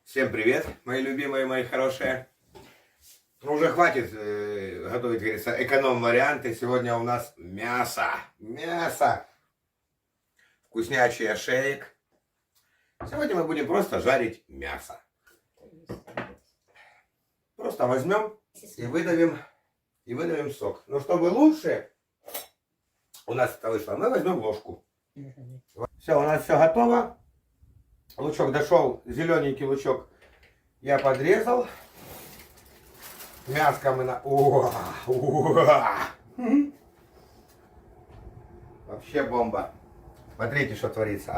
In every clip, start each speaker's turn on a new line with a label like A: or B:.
A: Всем привет, мои любимые, мои хорошие. Ну, уже хватит готовить, говорится, эконом-варианты. Сегодня у нас мясо. Мясо. Вкуснячий ошеек. Сегодня мы будем просто жарить мясо. Просто возьмем и выдавим сок. Но чтобы лучше у нас это вышло, мы возьмем ложку. Все, у нас все готово. Лучок дошел, зелененький лучок я подрезал. Мяско мы на... Вообще бомба. Смотрите, что творится.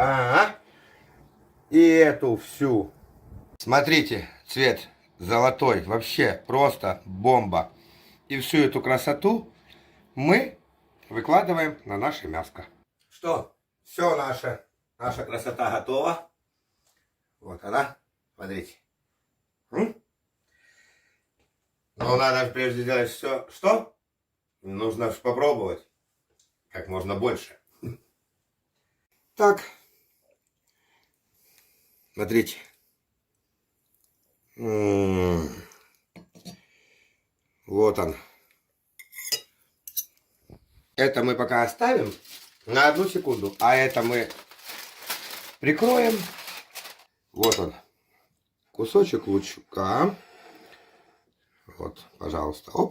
A: И эту всю. Смотрите, цвет золотой. Вообще просто бомба. И всю эту красоту мы выкладываем на наше мяско. Что? Все, наша красота готова. Вот она. Смотрите. Но надо прежде сделать все. Что? Нужно попробовать. Как можно больше. Так. Смотрите. Вот он. Это мы пока оставим на 1 секунду. А это мы прикроем. Вот он. Кусочек лучка. Вот, пожалуйста. Оп.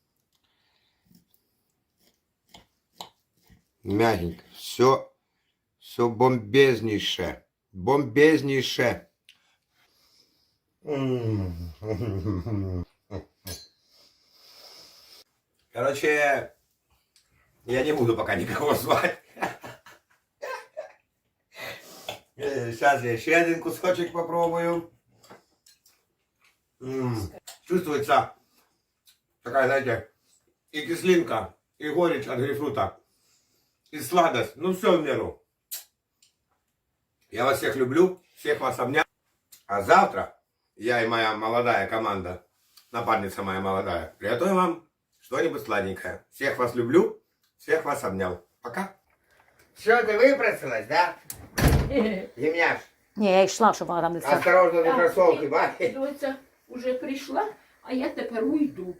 A: Мягенько. Все бомбезнейшее. Бомбезнейшее. Короче, я не буду пока никого звать. Сейчас я еще один кусочек попробую. Чувствуется такая, знаете, и кислинка, и горечь от грейпфрута, и сладость. Ну, все в меру. Я вас всех люблю, всех вас обнял. А завтра я и моя молодая команда, напарница моя молодая, приготовим вам что-нибудь сладенькое. Всех вас люблю, всех вас обнял. Пока. Все, ты выпросилась, да? Ємняш,
B: Ні, я йшла, щоб вона там не стала.
A: осторожно до кросовки, бачиш?
C: Доця вже прийшла, а я тепер уйду.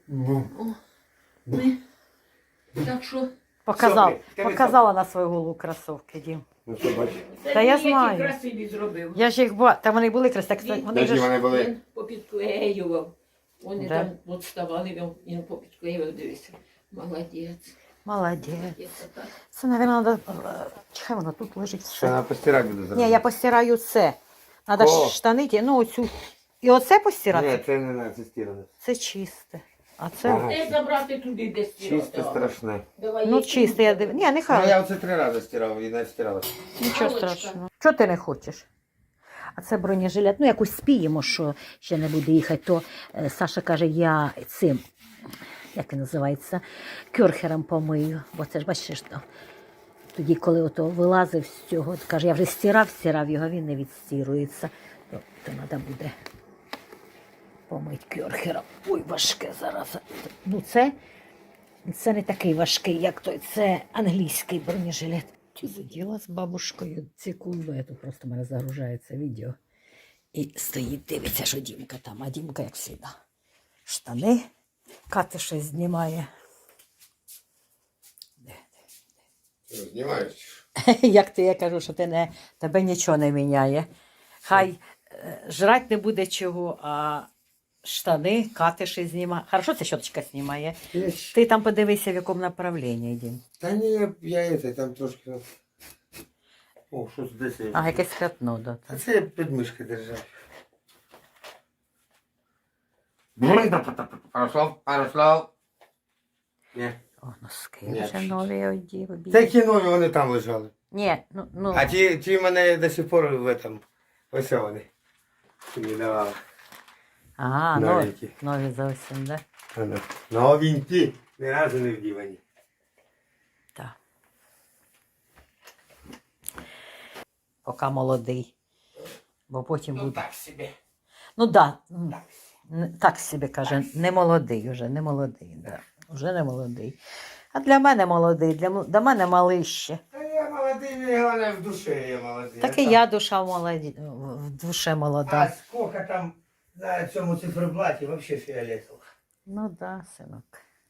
C: Так що...
B: Показала на свою голову кросовки, Дім.
A: Ну що, бачиш?
B: Та я
C: Які
B: знаю.
C: красиві зробив.
B: Я ж їх бачила, та вони були красиві, так вони
A: Які
B: ж...
A: вони були?
C: Він попідклеював. Вони
B: Да.
C: там от ставали, він попідклеював, дивися. Молодець.
B: Молодець.
C: Молодець, так.
B: Це, мабуть, треба... Чекай, воно тут лежить
A: Що
B: все.
A: вона постирати буде зараз?
B: Ні, я постираю це. Треба
A: О.
B: штани, ну оцю. І оце постирати?
A: Ні, це не треба, це стиране.
B: Це чисте. А це...
A: Ага.
C: Де забрати туди, де стирати?
A: Чисто страшне.
C: Давай,
B: Ну,
C: які
B: чисте, я
C: буде?
B: дивлюсь. Ні,
A: Ну,
B: нехай.
A: я оце 3 рази стирав і не стирала.
B: Нічого
C: Галочка.
B: страшного. Чого ти не хочеш? А це бронежилет. Ну, якось спіємо, що ще не буде їхати. То Саша каже, я цим, як він називається, кьорхером помию. Бо це ж бачиш, що тоді, коли ото вилазив з цього, каже, я вже стирав його, він не відстірується. То треба буде помити кьорхером. Ой, важке зараз. Ну, це не такий важкий, як той. Це англійський бронежилет. Ти сиділа з бабушкою секунду, тут просто в мене загружається відео. І стоїть, дивиться, що Дімка там, а Дімка, як завжди, штани, Катя щось знімає.
A: Знімаєш?
B: Як ти, я кажу, що тебе нічого не міняє. Хай жрать не буде чого, а штани Катя щось знімає. Хорошо, це щоточка знімає. Ти там подивися, в якому направленні, Дім.
A: Та ні, я це, там трошки... О, що це десь?
B: А, якесь пятно, да.
A: А це я під мишки держав. Ярослав. Ні.
B: О, носки
A: Ні,
B: вже нові одів.
A: Такі нові вони там лежали.
B: Ні, ну.
A: А ті в мене до сих пор в этом. Ось вони. Ти мені давала.
B: Ага,
A: Новенькі.
B: нові зовсім, да?
A: Новенькі. Ні разу не вдівані.
B: Так. Поки молодий. Бо потім
A: Ну
B: буде.
A: так собі.
B: Ну так, да.
A: Так.
B: Так собі каже, не молодий вже, не молодий. Да. Вже не молодий. А для мене молодий, для мене малий ще.
A: Та я молодий, мені головне в душі я молодий.
B: Так і я душа молоді, в душе молода.
A: А скільки
D: Вовка там на цьому циферблаті вообще фіолетово.
B: Ну да, синок.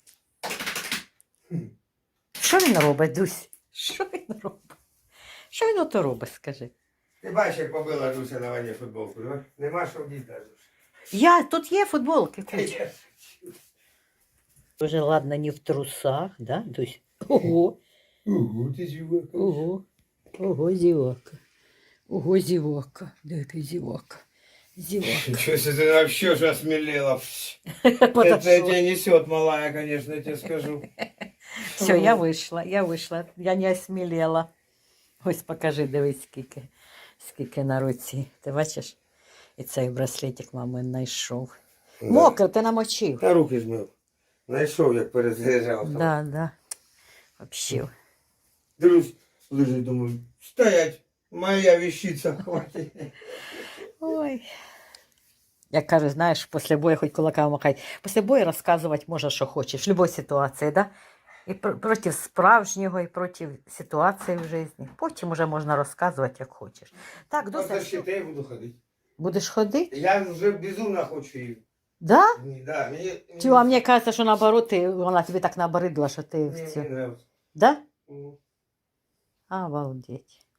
B: Що він робить, Дусь? Що він робить? Що він ото робить, скажи?
D: Ти бачиш, як побила Дуся на вані футболку, да? Нема що вдіти навіть.
B: Тут є футболки, куча. Уже ладно, не в трусах, да, Дусь? Ого,
D: Угу, ти чого?
B: ого, ого, зівака. Ого, зівака. Де який зівака? Зівака.
D: Ничего себе, ты вообще же осмелела.
B: Подошла.
D: Это тебя несет, малая, конечно, я тебе скажу.
B: Все, я вийшла, я не осмілела. Ось покажи, дивись, скільки на руці. Ти бачиш? І цей браслетик мамин знайшов. Мокро, ти намочив.
D: Та руки змив. Знайшов, як перезаряджав.
B: Да. Вообще.
D: Дивлюсь, лежить, думаю, стоять, моя вещица, хватит.
B: Ой. Як кажуть, знаєш, після бою хоч кулаками махай. Після бою розказувати можна, що хочеш, в будь-якій ситуації, да? І проти справжнього, і проти ситуації в житті. Потім вже можна розказувати, як хочеш. Так,
D: До
B: досить.
D: щита я буду ходити.
B: Будеш ходити?
D: Я вже безумно хочу її.
B: Да?
D: Да, мені...
B: Чого, а мені кажеться, що наоборот, вона тобі так набридла, що ти в
D: Мені
B: цю.
D: нравится.
B: Да?
D: Мгм.
B: Обалдеть.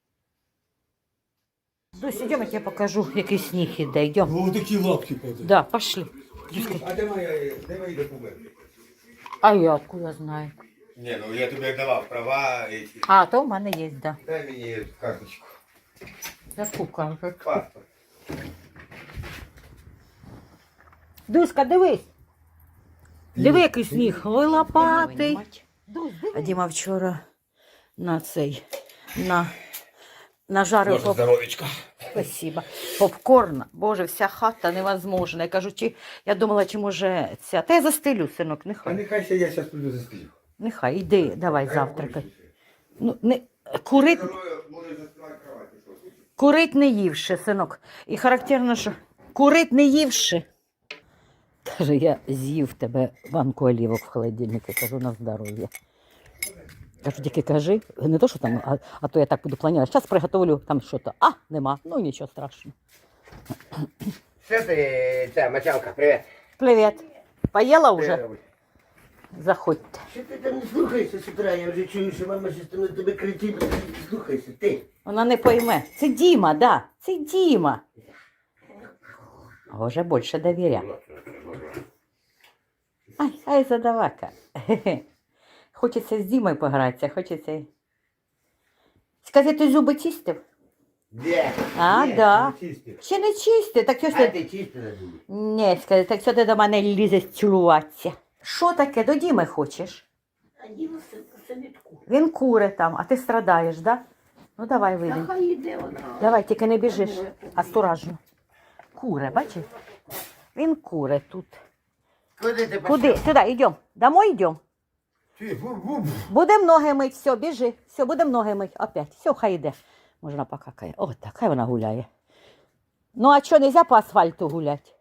B: Дусь, идем, я тебе покажу, який сніг іде. Йдем.
D: Ну, такі лапки падають.
B: Да, пошли.
D: А де мої документи?
B: А я откуда знаю?
D: Ні, ну я тобі давав права, эти.
B: А, то в мене є, да.
D: Дай мені карточку.
B: Яку карточку?
D: Паспорт.
B: Дуська, дивись. Диви, який сніг. Ой, лопатий. А Діма вчора нажарив
D: здоровечко.
B: Спасибо. Попкорн. Боже, вся хата невозможна. Я кажу, я думала, чи може ця. Та я застелю, синок,
D: А
B: нехай.
D: нехай ще я зараз прийду застелю.
B: Нехай, іди, давай завтракай. Ну, курить не ївши, синок. І характерно, що курить не ївши. Каже, я з'їв тебе банку олівок в холодильнику. Кажу, на здоров'я. Кажу, тільки кажи, не то, що там, а то я так буду планувати. Зараз приготовлю там щось. А, нема. Ну, нічого страшного.
D: Що ти, ця мочалка, привіт.
B: Привіт. Поїла вже? Заходьте.
D: Що ти там не слухайся з утра? Я вже чую, що мама щось там на тебе кричить. Слухайся, ти.
B: Вона не пойме. Це Діма, да. Це Діма. Вже більше довіря. Ай, задавака. Хочеться з Дімою погратися, хочеться. Скажи, ти зуби чистив?
D: Де?
B: А,
D: Ні,
B: да.
D: не чистив.
B: Ще не чистив, так що ж
D: А
B: ти...
D: ти чистив на зубі?
B: Ні, скажи, так що ти до мене лізеш цілуватися? Що таке, до Діми хочеш?
C: А Діма це не таку.
B: Він куре там, а ти страдаєш, да? Ну давай
C: Та
B: вийди.
C: хай йде вона.
B: Давай, тільки не біжиш, осторожно. Куре, бачиш? Він куре тут.
D: Куди ти
B: Куди? Сюди, йдемо. Домой йдемо. Будемо ноги мить, все, біжи. Все, будемо ноги мить. Опять. Все, хай йде. Можна покакає. О, так, хай вона гуляє. Ну, а що, нельзя по асфальту гуляти?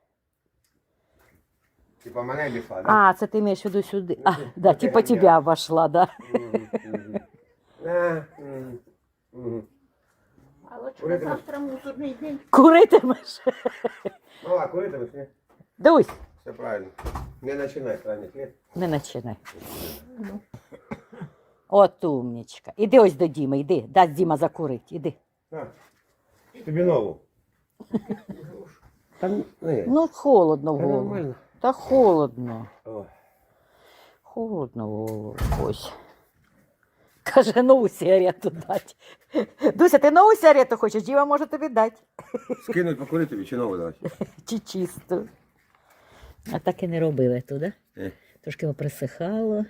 D: Типа мене обійшла, да?
B: А, це ти маєш в виду сюди. А, да, типа тебя обошла, да.
C: Але що завтра мусорний день.
B: Куритимеш?
D: Мала, куди тебе, ні?
B: Дусь,
D: Все правильно. Не починай ранить, ні?
B: не починай. От умничка. Іди ось до Діми, йди. Дасть Діма закурить, іди.
D: На, тобі нову. Там, ні.
B: Ну, холодно в
D: Та
B: голову.
D: нормально.
B: Та холодно.
D: О.
B: Холодно в голову. Ось. Каже, нову сигарету дать. Дуся, ти нову сигарету хочеш? Діма може тобі дати.
D: Скинуть покурити тобі чи нову давати?
B: Чи чисту. А так і не робили туди. Трошки поприсихало.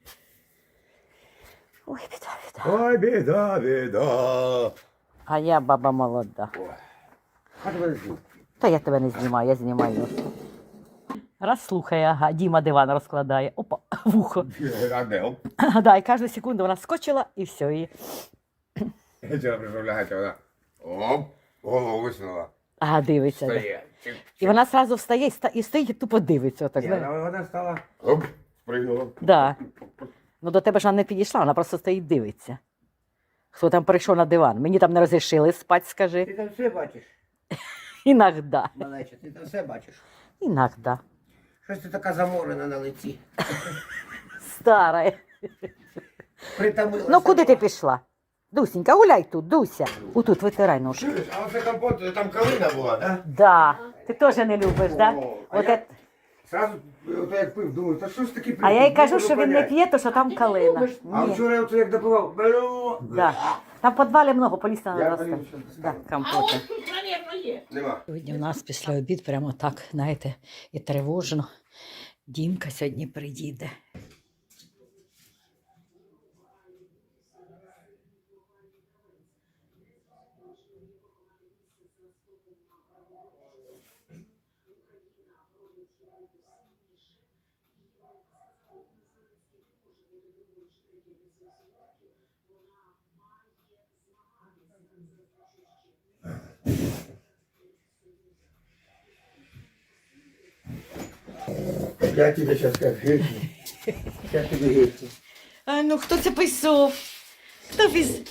B: Ой, біда.
D: Ой, біда, біда.
B: А я баба молода.
D: А тебе не зніму.
B: Та я тебе не знімаю, я знімаю. Раз слухає, ага, Діма диван розкладає. Опа, вухо.
D: А де? Оп.
B: Да, і кожну секунду вона скочила і все. І...
D: Я вчора прийшов лягати, вона. Оп, голову висунула.
B: Ага, дивиться. Да.
D: Стає.
B: І вона одразу встає і стоїть і тупо дивиться. Отак,
D: Ні,
B: знаєш.
D: вона стала. Оп, спригнула.
B: Да. Ну до тебе ж вона не підійшла, вона просто стоїть дивиться. Хто там прийшов на диван? Мені там не розрішили спати, скажи.
D: Ти там все бачиш?
B: Іногда.
D: Малеча, ти там все бачиш.
B: Іногда.
D: Щось ти така заморена на лиці.
B: Стара.
D: Притомилася.
B: Ну куди ти пішла? Дусінька, гуляй тут, Дуся. Отут витирай ножку.
A: Чуєш, а оце компот, там калина була, да?
B: Да. Ти теж не любиш, да?
A: О, а
B: От
A: я-
B: це-
A: Сразу, от як пив, думаю, та що ж таке
B: А я їй кажу,
A: можу
B: що він не
A: понять.
B: п'є, то що там калина.
A: А
B: Ні.
A: вчора от як допивав,
B: Да. Там в підвалі много, поліція не
A: Я
B: росте.
A: поїду, що
B: Да,
C: А
B: компоти.
C: от тут, мабуть, є.
A: нема.
B: Сьогодні в нас після обід прямо так, знаєте, і тривожно. Дімка сьогодні приїде.
D: Я тебе зараз як гиркну. Я тебе гиркну.
B: А ну хто це писав? Хто писав?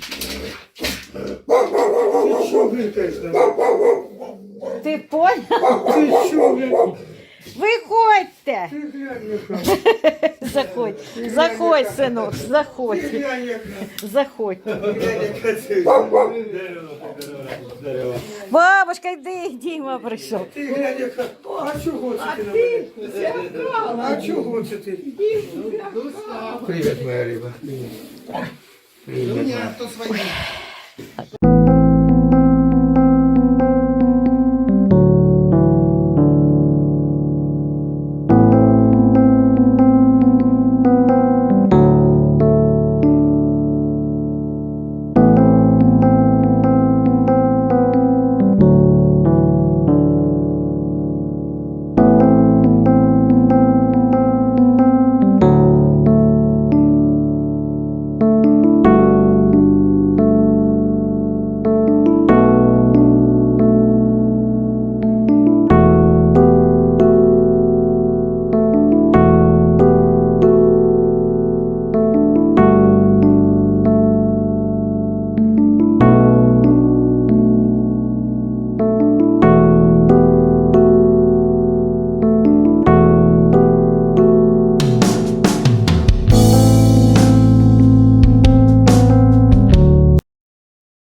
D: Ти що гиркаєш на мене?
B: Ти понял?
D: Ти що, блядь?
B: Виходьте!
D: Ти глянь, яка.
B: Заходь, заходь, синок, заходь,
D: Ти глянь, яка.
B: заходь.
D: Глянь, яка це.
B: Бабушка, йди, Діма прийшов.
D: Ти глянь, яка. А чого це ти на мене? А чого це ти? Привіт, моя риба. Привіт. Привіт.